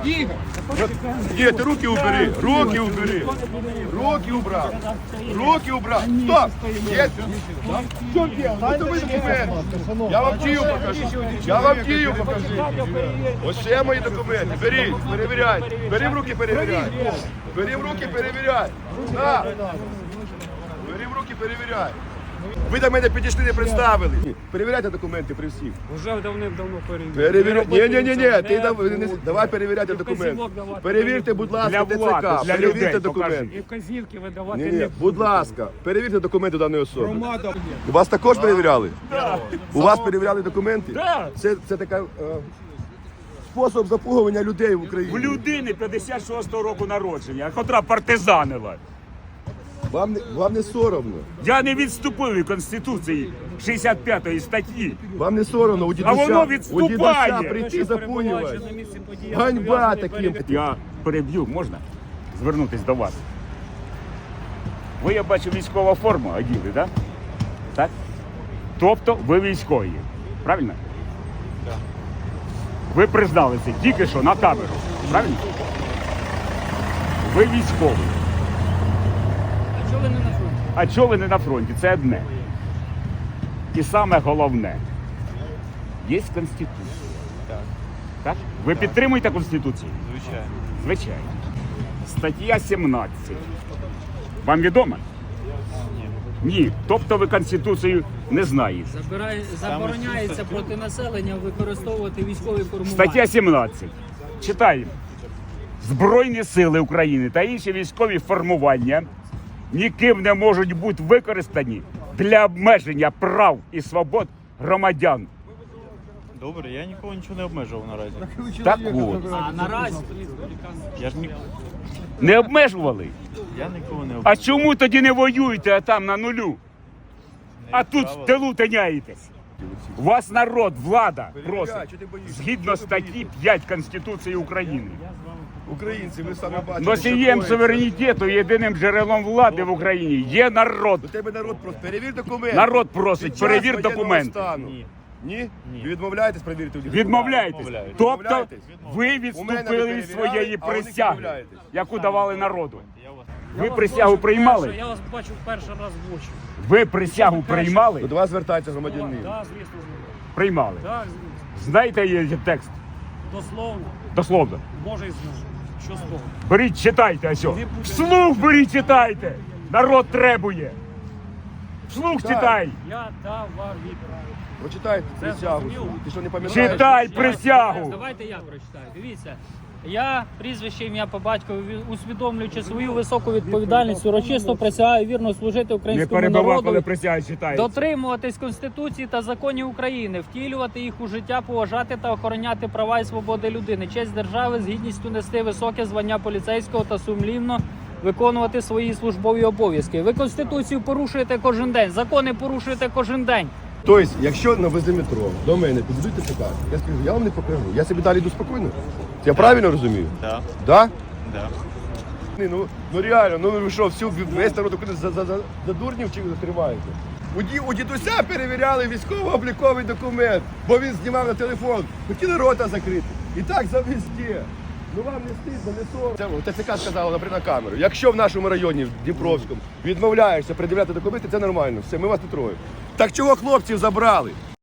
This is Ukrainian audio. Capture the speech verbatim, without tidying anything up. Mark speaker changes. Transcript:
Speaker 1: Ні, ти руки убери, руки убери. Руки убрав. Руки убрав. Стоп! Є. В чому діло? Це ви документи. Я вам дію покажу. Я вам дію покажу. Ось це мої документи. Беріть, перевіряй. Бери в руки, перевіряй. Бери в руки, перевіряй. На. Бери в руки, перевіряй. Ви до мене підійшли, не представили. Перевіряйте документи при всіх.
Speaker 2: Вже давним-давно перевіряли.
Speaker 1: Перевіряйте. Ні, ні, ні, ні. Ти дав, не, давай перевіряйте документи. Перевірте, будь ласка,
Speaker 3: Для влади,
Speaker 1: ТЦК.
Speaker 3: для
Speaker 1: Перевірте
Speaker 3: людей
Speaker 1: документи.
Speaker 2: І вказівки видавати
Speaker 1: Ні,
Speaker 2: не
Speaker 1: ні,
Speaker 2: будуть.
Speaker 1: будь ласка, перевірте документи даної особи. Вас також перевіряли? У вас перевіряли документи?
Speaker 3: Да.
Speaker 1: Це, це така е, спосіб запугування людей в Україні.
Speaker 3: У людини п'ятдесят шостого року народження, котра партизанила.
Speaker 1: Вам, не- вам не соромно.
Speaker 3: Я не відступив від Конституції шістдесят п'ятої статті.
Speaker 1: Вам не соромно у дідуся,
Speaker 3: воно
Speaker 1: у
Speaker 3: відступає.
Speaker 1: дідуся прийти
Speaker 2: Перебуваючи
Speaker 1: запугувати.
Speaker 2: на місці події,
Speaker 1: Ганьба
Speaker 2: зобов'язаний
Speaker 1: таким.
Speaker 2: перевірити.
Speaker 3: Я переб'ю, можна звернутися до вас? Ви, я бачу, військова форма оділи, да? Так? Тобто ви військові, правильно? Так. Ви призналися тільки що на камеру, правильно? Ви військові.
Speaker 2: А чого ви не на фронті?
Speaker 3: А чого ви не на фронті? Це одне. І саме головне. Є Конституція. Так. Так? Ви підтримуєте Конституцію?
Speaker 4: Звичайно.
Speaker 3: Звичайно. Стаття сімнадцять. Вам відомо? Ні. Ні. Тобто ви Конституцію не знаєте.
Speaker 5: Забирає, забороняється проти населення використовувати військові формування.
Speaker 3: Стаття сімнадцять. Читаємо. Збройні сили України та інші військові формування ніким не можуть бути використані для обмеження прав і свобод громадян.
Speaker 4: Добре, я нікого нічого не обмежував наразі.
Speaker 3: Так от.
Speaker 5: А наразі
Speaker 4: Я ж ні...
Speaker 3: Не обмежували.
Speaker 4: я нікого не
Speaker 3: А
Speaker 4: обмежував.
Speaker 3: чому тоді не воюєте, а там на нулю? А тут в
Speaker 4: правила.
Speaker 3: тилу тиняєтесь. Вас народ, влада
Speaker 1: Перевіряй,
Speaker 3: просить.
Speaker 1: що ти боїшся?
Speaker 3: Згідно
Speaker 1: Чого ти
Speaker 3: статті
Speaker 1: боїшся?
Speaker 3: п'ять Конституції України.
Speaker 1: Українці, ви самі бачите.
Speaker 3: Носієм
Speaker 1: що коїться.
Speaker 3: суверенітету, єдиним джерелом влади в Україні є народ.
Speaker 1: До тебе народ просить. Перевір документи.
Speaker 3: Народ просить,
Speaker 1: Під час
Speaker 3: перевір
Speaker 1: воєнного
Speaker 3: документи.
Speaker 1: стану.
Speaker 4: Ні.
Speaker 1: Ні?
Speaker 4: Ні.
Speaker 1: Ви відмовляєтесь перевірити?
Speaker 3: Відмовляєтесь.
Speaker 4: Відмовляюсь.
Speaker 3: Тобто
Speaker 1: Відмовляєтесь?
Speaker 3: ви
Speaker 1: У мене
Speaker 3: відступили від
Speaker 1: перевіряли,
Speaker 3: своєї
Speaker 1: а вони
Speaker 3: присяги,
Speaker 1: відмовляєтесь.
Speaker 3: яку давали народу.
Speaker 4: Я вас...
Speaker 3: Ви
Speaker 2: Я вас
Speaker 3: присягу
Speaker 2: бачу
Speaker 3: приймали?
Speaker 2: вперше- Я вас бачу перший раз в очі.
Speaker 3: Ви присягу приймали?
Speaker 1: До вас звертається громадянин.
Speaker 2: Так, звісно.
Speaker 3: Приймали.
Speaker 2: Так, звісно.
Speaker 3: Знаєте є текст?
Speaker 2: Дословно.
Speaker 3: Дословно.
Speaker 2: Може і знаю. Що з того?
Speaker 3: Беріть, читайте, ось. о. Вслух беріть, читайте. Народ требує. Вслух
Speaker 1: Читай.
Speaker 3: читай.
Speaker 2: Я давав відповідь.
Speaker 1: Прочитайте
Speaker 2: Це
Speaker 1: присягу.
Speaker 2: зрозуміло?
Speaker 1: Ти що не пам'ятаєш?
Speaker 3: Читай присягу.
Speaker 5: давайте я прочитаю. Дивіться. Я, прізвище, ім'я по батькові, усвідомлюючи свою високу відповідальність, урочисто присягаю вірно служити
Speaker 3: Не
Speaker 5: українському
Speaker 3: перебивай, коли
Speaker 5: народу,
Speaker 3: присягу читаєте.
Speaker 5: дотримуватись Конституції та законів України, втілювати їх у життя, поважати та охороняти права і свободи людини, честь держави, з гідністю нести високе звання поліцейського та сумлінно виконувати свої службові обов'язки. Ви Конституцію порушуєте кожен день, закони порушуєте кожен день.
Speaker 1: Тобто, якщо навезе метро до мене, підійдуть ТЦК, я скажу, я вам не покажу. Я собі далі йду спокійно. Я правильно розумію?
Speaker 4: Да.
Speaker 1: Да?
Speaker 4: Да.
Speaker 1: Ні, ну, ну реально, ну ви що, всю весь народ України за, за, за, за дурнів чи ви закриваєте? У, ді, у дідуся перевіряли військово-обліковий документ, бо він знімав на телефон. Хотіли рота закрити. І так завезде. Ну вам не стидно, не соромно. Це ТЦК сказала, наприклад, на камеру. Якщо в нашому районі, в Дніпровському, відмовляєшся пред'являти документи, це нормально. Все, ми вас не троємо. Так чого хлопців забрали?